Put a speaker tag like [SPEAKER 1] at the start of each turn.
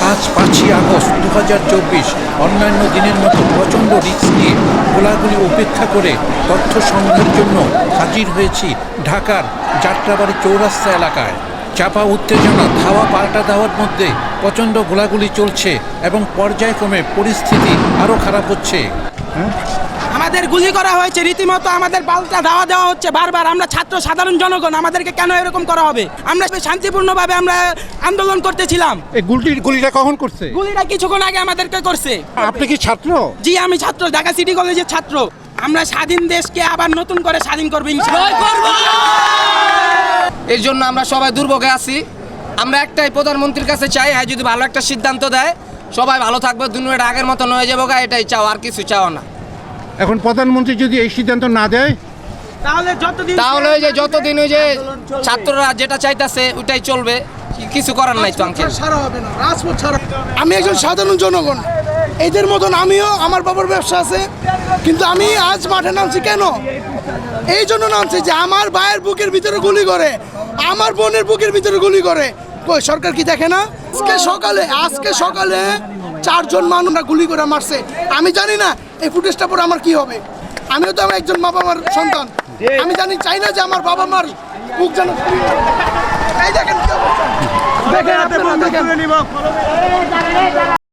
[SPEAKER 1] আজ 5ই আগস্ট 2024 অন্যান্য দিনের মতো প্রচণ্ড রিস্ক নিয়ে গোলাগুলি উপেক্ষা করে তথ্য সংগ্রহের জন্য হাজির হয়েছি ঢাকার যাত্রাবাড়ি চৌরাস্তা এলাকায়। চাপা উত্তেজনা ধাওয়া পাল্টা দেওয়ার মধ্যে প্রচণ্ড গোলাগুলি চলছে এবং পর্যায়ক্রমে পরিস্থিতি আরও খারাপ হচ্ছে।
[SPEAKER 2] আমাদের গুলি করা হয়েছে, রীতিমতো আমাদের পাল্টা ধাওয়া দেওয়া হচ্ছে বারবার। আমরা ছাত্র সাধারণ জনগণ, আমাদেরকে কেন এরকম করা হবে? আমরা শান্তিপূর্ণভাবে আমরা আন্দোলন করতেছিলাম।
[SPEAKER 3] এই গুলিটা কখন করছে?
[SPEAKER 2] গুলিটা কিছুক্ষণ আগে আমাদেরকে করছে।
[SPEAKER 3] আপনি কি ছাত্র?
[SPEAKER 2] জি, আমি ছাত্র, ঢাকা সিটি কলেজের ছাত্র। আমরা স্বাধীন দেশকে আবার নতুন করে স্বাধীন করবো ইনশাআল্লাহ।
[SPEAKER 4] এর জন্য আমরা সবাই দুর্ভোগে আছি। আমরা একটাই প্রধানমন্ত্রীর কাছে চাই, হ্যাঁ যদি ভালো একটা সিদ্ধান্ত দেয় সবাই ভালো থাকবে, দুনিয়াটা আগের মতো হয়ে যাবো, এটাই চাও, আর কিছু চাও না।
[SPEAKER 3] এখন প্রধানমন্ত্রী যদি এই সিদ্ধান্ত না দেয়
[SPEAKER 4] তাহলে ওই যে যতদিন ওই যে ছাত্ররা যেটা চাইতেছে ওইটাই চলবে, কিছু করার নাই তো আঙ্কেল।
[SPEAKER 5] আমি একজন সাধারণ জনগণ, এদের মতন আমিও, আমার বাবার ব্যবসা আছে, কিন্তু আমি আজ মাঠে নামছি কেন? এই জন্য নামছি যে আমার ভাইয়ের বুকের ভিতরে গুলি করে, আমার বোনের বুকের ভিতরে গুলি করে। কই সরকার কি দেখে না? আজকে সকালে 4 জন মানুষরা গুলি করে মারছে। আমি জানি না এই ফুটেজটা পরে আমার কি হবে। আমিও তো আমার একজন বাবা মার সন্তান, আমি চাই না যে আমার বাবা মার বুক যেন এই দেখেন কি অবস্থা। দেখেন আপনারা দেখেন।